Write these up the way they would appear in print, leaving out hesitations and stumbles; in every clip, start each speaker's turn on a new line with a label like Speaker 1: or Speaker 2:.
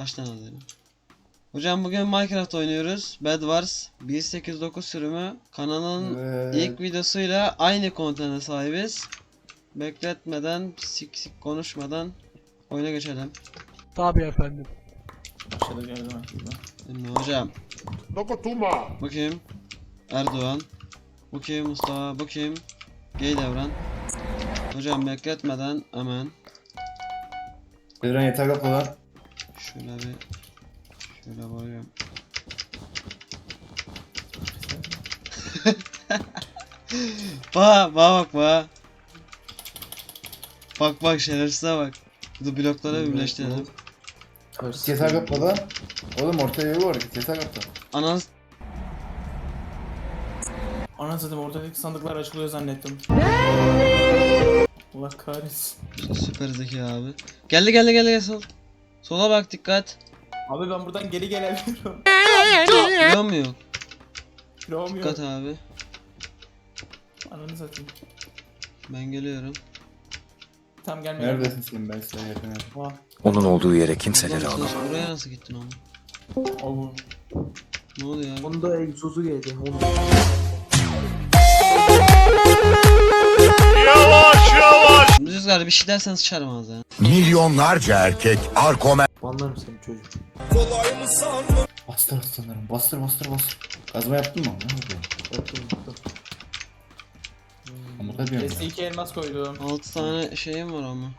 Speaker 1: Kaç tane alayım? Hocam bugün Minecraft oynuyoruz. Bed Wars 1.8.9 sürümü. Kanalın ilk videosuyla aynı kontene sahibiz. Bekletmeden, sik konuşmadan oyuna geçelim.
Speaker 2: Tabii efendim.
Speaker 3: Aşağıda geldim aslında.
Speaker 1: Şimdi hocam. Bu kim? Erdoğan. Bu kim? Mustafa. Bu kim? Gay Devran. Hocam bekletmeden hemen.
Speaker 4: Devran yeter kapı lan.
Speaker 1: Şöyle koyuyorum. Bak. Bak şerefsize bak. Bu bloklara birleştirelim.
Speaker 4: Yeter kapı lan. Oğlum ortaya yolu var. Yeter kapı.
Speaker 1: Ananı
Speaker 3: Anasını ortadaki sandıklar açılıyor zannettim. Allah kahretsin.
Speaker 1: süper zeki abi. Gel sol. Sola bak dikkat.
Speaker 3: Abi ben buradan geri gelebiliyorum.
Speaker 1: Biliyor mu yok?
Speaker 3: Kiloğum yok.
Speaker 1: Dikkat abi.
Speaker 3: Ananı satayım.
Speaker 1: Ben geliyorum.
Speaker 3: Tam gelmiyorum.
Speaker 4: Neredesin sen, ben sana yakınım.
Speaker 3: Vah.
Speaker 5: Onun olduğu yere kimseleri
Speaker 1: Ulan
Speaker 5: alamam.
Speaker 1: sen buraya nasıl gittin ama?
Speaker 3: Oğlum.
Speaker 1: Ne oluyor abi?
Speaker 2: Onda egzozu geldi.
Speaker 1: Rüzgar bir şey dersen sıçarım ağzına.
Speaker 5: Milyonlarca erkek Arkomer
Speaker 2: Banlarım seni çocuk.
Speaker 4: Bastır aslanlarım. Bastır. Kazma yaptın mı? Ne oldu?
Speaker 2: Yaptım.
Speaker 4: Amuta diyorum ya.
Speaker 3: S2 elmas koydum.
Speaker 1: 6 tane şeyim var ama.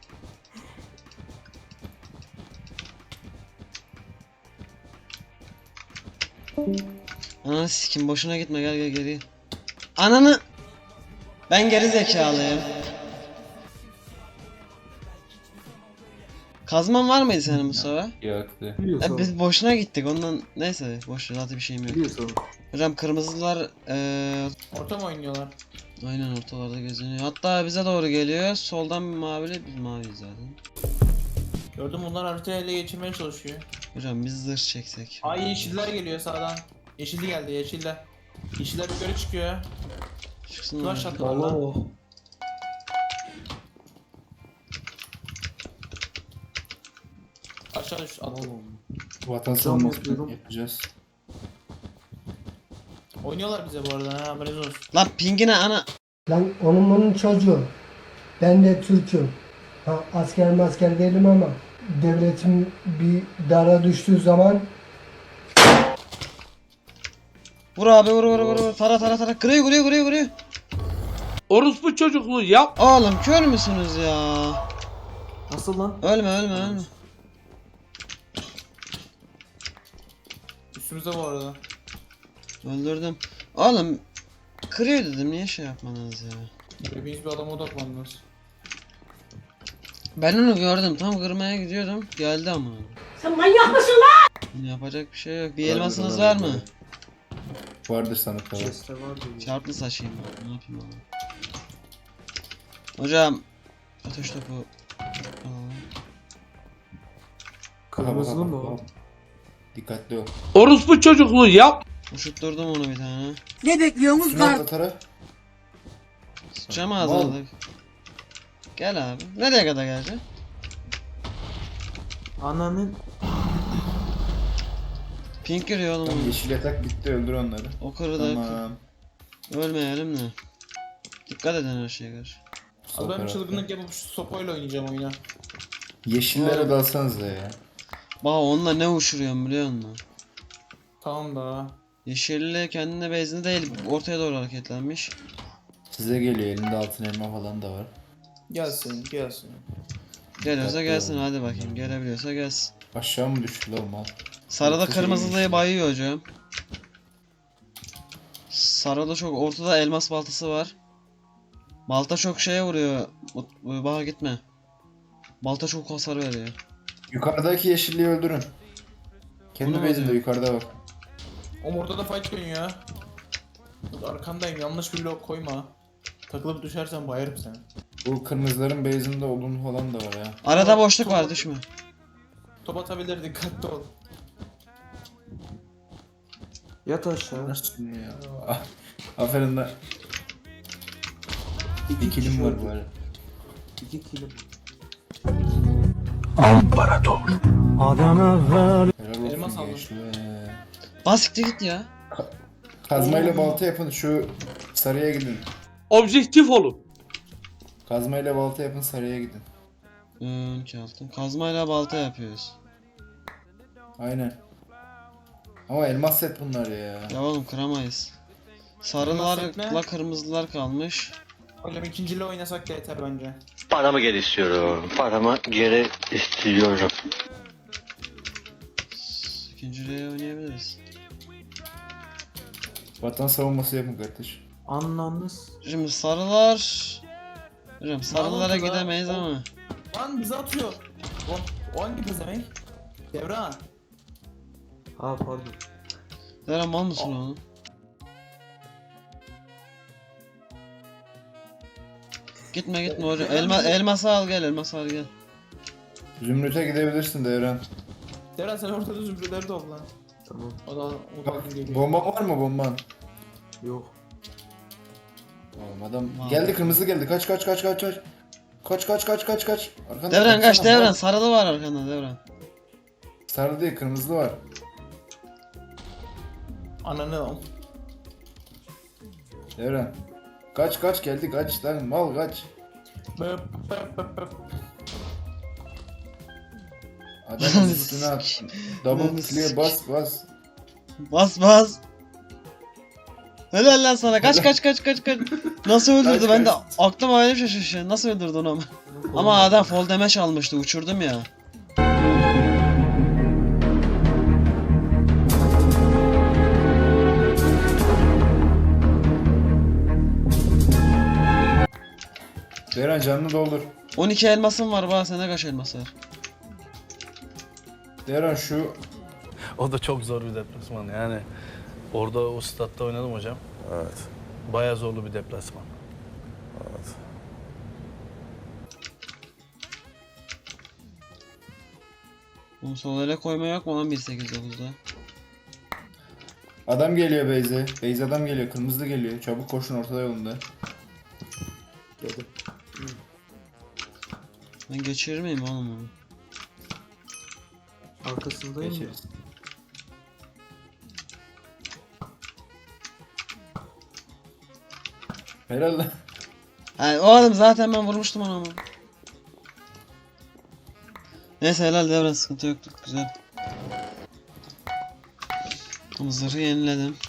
Speaker 1: Ananı sikim boşuna gitme gel geri. Ananı. Ben geri zekalıyım. Kazman var mıydı senin Mustafa?
Speaker 4: Yaktı.
Speaker 2: Biliyorsun.
Speaker 1: Biz boşuna gittik ondan neyse boş ver zaten bir şeyim yok.
Speaker 2: Biliyorsun.
Speaker 1: Hocam kırmızılar
Speaker 3: Orta mı oynuyorlar?
Speaker 1: aynen ortalarda geziniyor. Hatta bize doğru geliyor. Soldan bir mavili biz maviyiz zaten.
Speaker 3: Gördüm bunlar haritayı ele geçirmeye çalışıyor.
Speaker 1: Hocam biz zırh çeksek.
Speaker 3: Ay yeşiller geliyor sağdan. Yeşilli geldi yeşiller. Yeşiller yukarı çıkıyor.
Speaker 1: Çıksınlar.
Speaker 3: Flash attılar
Speaker 2: Allah
Speaker 3: lan.
Speaker 2: o.
Speaker 3: Aşağı düş at.
Speaker 4: Vatan
Speaker 2: Cam
Speaker 4: savunması
Speaker 2: yapıyorum.
Speaker 4: yapacağız.
Speaker 3: Oynuyorlar bize bu arada ha haberiniz olsun.
Speaker 1: Lan pingine ana.
Speaker 6: Lan onun bunun çocuğu. Ben de Türk'üm. Ha, asker değilim ama devletim bir dara düştüğü zaman
Speaker 1: Vur abi vur. Tara. Kırıyor.
Speaker 2: Orospu çocukluğu yap.
Speaker 1: Oğlum kör müsünüz ya?
Speaker 2: Nasıl lan?
Speaker 1: Ölme.
Speaker 3: Üstümüzde bu arada.
Speaker 1: Öldürdüm. Oğlum kırıyor dedim niye şey yapmanız ya?
Speaker 3: Hepiniz bir adama odaklandınız.
Speaker 1: Ben onu gördüm tam kırmaya gidiyordum geldi ama.
Speaker 6: sen manyak mısın lan?
Speaker 1: Yapacak bir şey yok. Bir elmasınız var mı?
Speaker 4: Vardır sandıkta var.
Speaker 2: Chest'te var diyor.
Speaker 1: Çarplı saçayım ben. Ne yapayım abi? Hocam ateş topu. Aa,
Speaker 2: Kırmızılı mı o?
Speaker 4: Dikkatli ol.
Speaker 2: Orospu çocukluğu yap.
Speaker 1: Uşutturdum onu bir tane.
Speaker 4: Şunu atla Tara.
Speaker 1: Sıçacağım ağzına. Gel abi. Nereye kadar geleceksin?
Speaker 2: Ananın
Speaker 1: Pink giriyor
Speaker 4: Tamam,
Speaker 1: oğlum.
Speaker 4: yeşil yatak bitti, öldür onları.
Speaker 1: O kırdı.
Speaker 4: Tamam.
Speaker 1: Ölmeyelim de. Dikkat edin her şeye karşı.
Speaker 4: Sol
Speaker 3: Abi ben bir
Speaker 4: tarafta.
Speaker 3: çılgınlık yapıp şu sopayla oynayacağım oyuna.
Speaker 4: Yeşillere dalsanıza ya.
Speaker 1: Bak onunla ne uçuruyorum biliyor musun?
Speaker 3: Tamam da.
Speaker 1: Yeşilli kendine bezini değil ortaya doğru hareketlenmiş.
Speaker 4: Size geliyor, elinde altın elma falan da var.
Speaker 3: Gelsin.
Speaker 1: Geliyorsa
Speaker 4: Dikkatli
Speaker 1: gelsin
Speaker 4: olun.
Speaker 1: hadi bakayım gelebiliyorsa gelsin.
Speaker 4: Aşağı mı düştü lan mal?
Speaker 1: Sarıda
Speaker 4: Yoksa şey
Speaker 1: kırmızılıyı
Speaker 4: yeşil.
Speaker 1: bayıyor hocam. Sarıda çok ortada elmas baltası var. Balta çok şeye vuruyor. Bana gitme. Balta çok hasar veriyor.
Speaker 4: Yukarıdaki yeşilliği öldürün. Kendi
Speaker 1: Bunu
Speaker 4: bezinde
Speaker 1: alıyor.
Speaker 4: yukarıda bak.
Speaker 3: Oğlum orada da fight dönüyor. Arkandayım yanlış bir blok koyma. Takılıp düşersen bayarım seni.
Speaker 4: Bu kırmızıların base'inde odun falan da var ya.
Speaker 1: Arada boşluk var düşme.
Speaker 3: Top atabilir dikkatli ol.
Speaker 2: yat aşağı.
Speaker 4: Nasıl ya? Ah, aferin lan. Bir
Speaker 2: kişi
Speaker 4: kilim var
Speaker 2: öldü.
Speaker 4: böyle.
Speaker 2: 2 kilim.
Speaker 5: amparator.
Speaker 4: Helal
Speaker 3: Elmas
Speaker 4: olsun
Speaker 3: aldım.
Speaker 4: gençler.
Speaker 1: Basiktir git ya.
Speaker 4: Kazmayla balta yapın, şu sarıya gidin.
Speaker 2: Objektif olun.
Speaker 4: Kazmayla balta yapın, sarıya gidin.
Speaker 1: 12 altın. Kazmayla balta yapıyoruz.
Speaker 4: Aynen. Ama elmas set bunlar ya.
Speaker 1: Ya oğlum kıramayız.
Speaker 3: Elmas
Speaker 1: Sarılarla
Speaker 3: set ne?
Speaker 1: kırmızılar kalmış.
Speaker 3: Oğlum ikinciyle oynasak da yeter bence.
Speaker 7: Paramı geri istiyorum. Paramı geri istiyorum.
Speaker 1: İkinciliğe oynayabiliriz.
Speaker 4: Vatan savunması yapın kardeş.
Speaker 2: Anlamız.
Speaker 1: Şimdi sarılar... Hocam sarılara
Speaker 3: oldu lan?
Speaker 1: gidemeyiz ama.
Speaker 3: Lan bizi atıyor. O hangi pezemek? Devran.
Speaker 2: Ha pardon.
Speaker 1: Deren mal mısın oğlum? Gitme hocam. Elması al gel, elması al gel.
Speaker 4: Zümrüt'e gidebilirsin Devran.
Speaker 3: Devran sen ortada zümrütleri topla.
Speaker 2: Tamam.
Speaker 3: O da
Speaker 4: Bak,
Speaker 3: geliyor.
Speaker 4: bomban var mı bomban?
Speaker 2: Yok.
Speaker 4: Oğlum adam
Speaker 1: Var.
Speaker 4: geldi, kırmızı geldi. Kaç. Kaç. Arkanda
Speaker 1: Devran kaç,
Speaker 4: baksana,
Speaker 1: Devran.
Speaker 4: bak.
Speaker 1: Sarılı var arkanda Devran.
Speaker 4: Sarı değil, kırmızı var.
Speaker 3: Ananı al.
Speaker 4: Devran. Kaç geldi, kaç lan mal kaç.
Speaker 3: Böp böp böp.
Speaker 4: Adamın üstüne at. Double clear bas.
Speaker 1: Bas. Helal lan sana. Kaç. Nasıl öldürdü?
Speaker 4: Kaç,
Speaker 1: Ben de
Speaker 4: kaç.
Speaker 1: aklım öyle şaşırıyor. Nasıl öldürdü onu ama? Ama adam fall damage almıştı. Uçurdum ya.
Speaker 4: Devran canını doldur.
Speaker 1: 12 elmasım var. Bana sende kaç elmas var?
Speaker 4: Devran şu
Speaker 8: O da çok zor bir deplasman yani. Orada o statta oynadım hocam.
Speaker 5: Evet.
Speaker 8: Bayağı zorlu bir deplasman.
Speaker 1: Bunu sol ele koyma yok mu lan 1.8.9'da?
Speaker 4: adam geliyor Beyze. Beyze adam geliyor. Kırmızı geliyor. Çabuk koşun, ortada yolunda.
Speaker 2: Geldim.
Speaker 1: Ben geçirir miyim oğlum onu?
Speaker 2: Arkasındayım ya.
Speaker 4: Geçeriz. Helal lan.
Speaker 1: Ha, oğlum zaten ben vurmuştum onu ama. Neyse helal Devran, sıkıntı yoktu. Güzel. Zırhı yeniledim.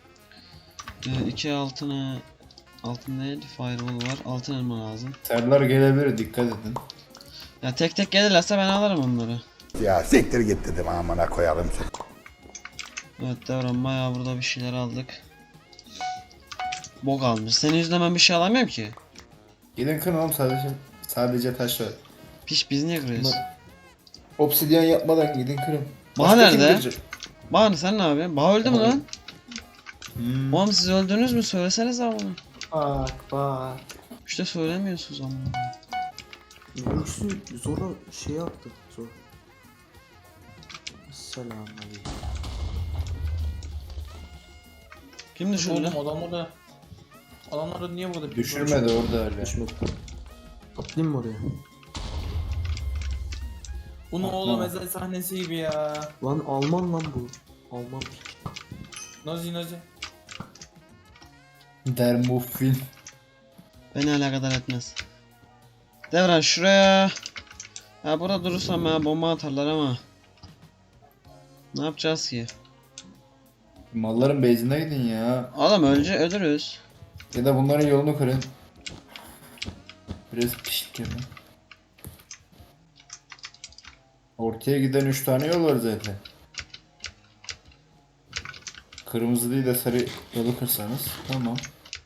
Speaker 1: 2 altına... Altın değil, firewall var. Altın elma lazım.
Speaker 4: Serler gelebilir, dikkat edin.
Speaker 1: Ya tek tek gelirlerse ben alırım onları.
Speaker 5: Ya siktir git dedim, amına koyalım seni.
Speaker 1: Evet Devran, bayağı burada bir şeyler aldık. Bok almış. Senin yüzünden ben bir şey alamıyorum ki.
Speaker 4: Gidin kırın oğlum, sadece taş var.
Speaker 1: Piş, biz niye kırıyoruz?
Speaker 4: Obsidyen yapmadan gidin kırın.
Speaker 1: Baha
Speaker 4: Başka kim
Speaker 1: nerede?
Speaker 4: kıracak?
Speaker 1: Bahane sen ne yapıyorsun? Bah öldü mü lan?
Speaker 4: Hmm.
Speaker 1: Oğlum siz öldünüz mü? Söylesenize ama.
Speaker 2: Bak.
Speaker 1: İşte söylemiyorsunuz ama.
Speaker 2: Yüksü zora şey yaptı. Zor. Selamünaleyküm.
Speaker 1: Kim düşürdü?
Speaker 3: Oğlum adamları niye burada?
Speaker 4: Düşürmedi orada öyle.
Speaker 2: Düşmedi. Atlayayım mı oraya?
Speaker 3: Bunu oğlum ezel sahnesi gibi ya.
Speaker 2: Lan Alman lan bu. Alman.
Speaker 3: Nazi.
Speaker 4: Dermuffin.
Speaker 1: Beni alakadar etmez. Devran şuraya. Ya burada durursam ya bomba atarlar ama. Ne yapacağız ki?
Speaker 4: Malların base'ine gidin ya.
Speaker 1: Oğlum önce ölürüz.
Speaker 4: Ya da bunların yolunu kırın. Biraz pişik yapın. Ortaya giden 3 tane yol var zaten. Kırmızı değil de sarı yolu kırsanız tamam.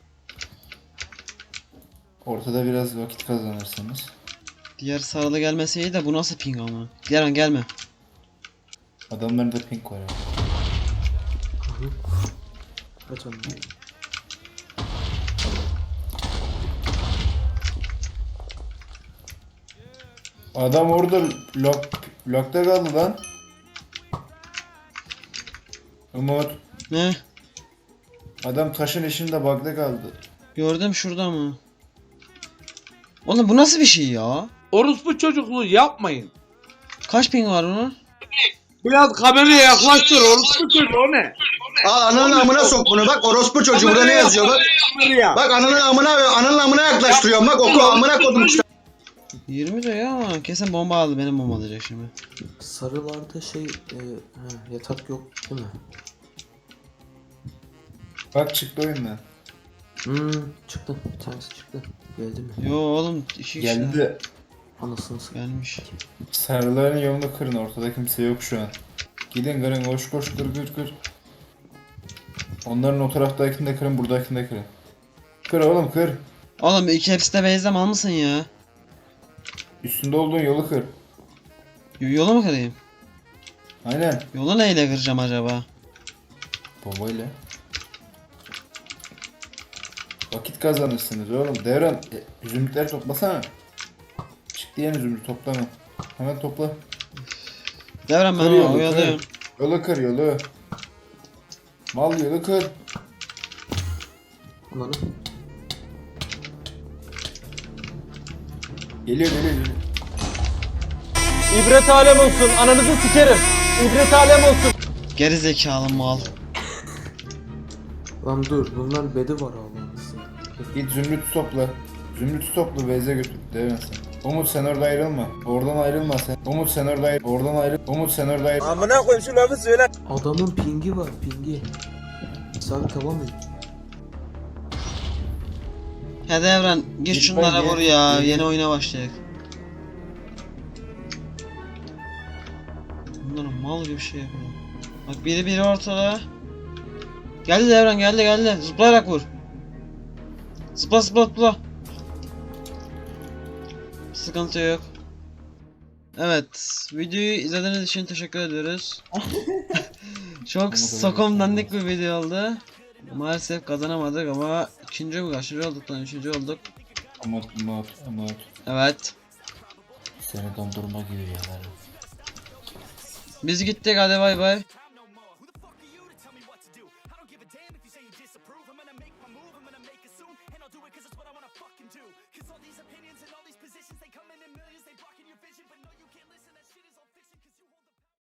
Speaker 4: Ortada biraz vakit kazanırsınız.
Speaker 1: Diğer sarılı gelmesi iyi de bu nasıl ping ama? Devran gelme.
Speaker 4: Adamların da pink var ya.
Speaker 2: Kaç anne?
Speaker 4: Adam orada lockta kaldı lan. Umut.
Speaker 1: Ne?
Speaker 4: Adam taşın içinde bug'da kaldı.
Speaker 1: Gördüm şurada mı? Oğlum bu nasıl bir şey ya?
Speaker 2: Orospu çocukluğu yapmayın.
Speaker 1: Kaç ping var bunun?
Speaker 9: Biraz kameraya yaklaştır orospu çocuğu, Biraz kameraya yaklaştır orospu çocuğu, o ne?
Speaker 10: Al ananın amına sok bunu, bak orospu çocuğu burada ne yazıyor bak.
Speaker 9: Kameraya.
Speaker 10: Bak ananın amına yaklaştırıyorum, bak oku amına kodum işte.
Speaker 1: 20 diyor ama kesin bomba aldı, benim bomba alacak şimdi.
Speaker 2: Sarılarda yatak yok değil mi?
Speaker 4: Bak çıktı oyundan.
Speaker 2: Çıktı. Bir tanesi çıktı. Geldi mi?
Speaker 1: Yo oğlum 2 kişi
Speaker 4: Geldi.
Speaker 2: Anasını satayım.
Speaker 1: gelmiş.
Speaker 4: Sarıların yolunu kırın, ortada kimse yok şu an. Gidin kırın, koş koş, kır. Onların o taraftakini de kırın, buradakini de kırın. Kır oğlum kır.
Speaker 1: Oğlum iki hepsi de base'de mal mısın ya?
Speaker 4: Üstünde olduğun yolu kır.
Speaker 1: Yolu mu kırayım?
Speaker 4: Aynen.
Speaker 1: Yolu neyle kıracağım acaba?
Speaker 4: Bombayla. Vakit kazanırsınız oğlum. Devran, zümrütleri toplasana. Çık diyen zümrüt toplama. Hemen topla.
Speaker 1: Devran ben
Speaker 4: Kır
Speaker 1: onu
Speaker 4: yolu,
Speaker 1: oyalıyorum.
Speaker 4: kır. Yolu kır, yolu. Mal yolu kır.
Speaker 2: Ananı.
Speaker 4: Geliyor.
Speaker 9: İbret alem olsun, ananızı sikerim. İbret alem olsun.
Speaker 1: Geri zekalı mal.
Speaker 2: Lan dur, bunlar bedi var Allah'ınızı.
Speaker 4: Git zümrütü topla. Zümrütü topla, Beyze götür. Devran sen. Umut sen orada ayrılma. Oradan ayrılma sen. Umut sen orada ayrıl. Oradan ayrıl. Umut sen orada ayrıl.
Speaker 9: Amına koyayım şu lafı söyle.
Speaker 2: Adamın pingi var, pingi. Sabit tamam mı?
Speaker 1: He Devran gir
Speaker 4: Git
Speaker 1: şunlara
Speaker 4: ben,
Speaker 1: vur
Speaker 4: gel.
Speaker 1: ya,
Speaker 4: Gel.
Speaker 1: yeni oyuna başlayalım. Bunlar mal gibi şey yapıyor. Bak biri ortada. Geldi Devran, geldi. Zıplayarak vur. Zıpla. Sıkıntı yok. Evet, videoyu izlediğiniz için teşekkür ediyoruz. Çok sokom dandik bir video oldu. Maalesef kazanamadık ama kaçıncı olduk lan, üçüncü olduk.
Speaker 4: Umut.
Speaker 1: Evet.
Speaker 4: Seni dondurma gibi yalarım.
Speaker 1: Biz gittik, hadi bay bay.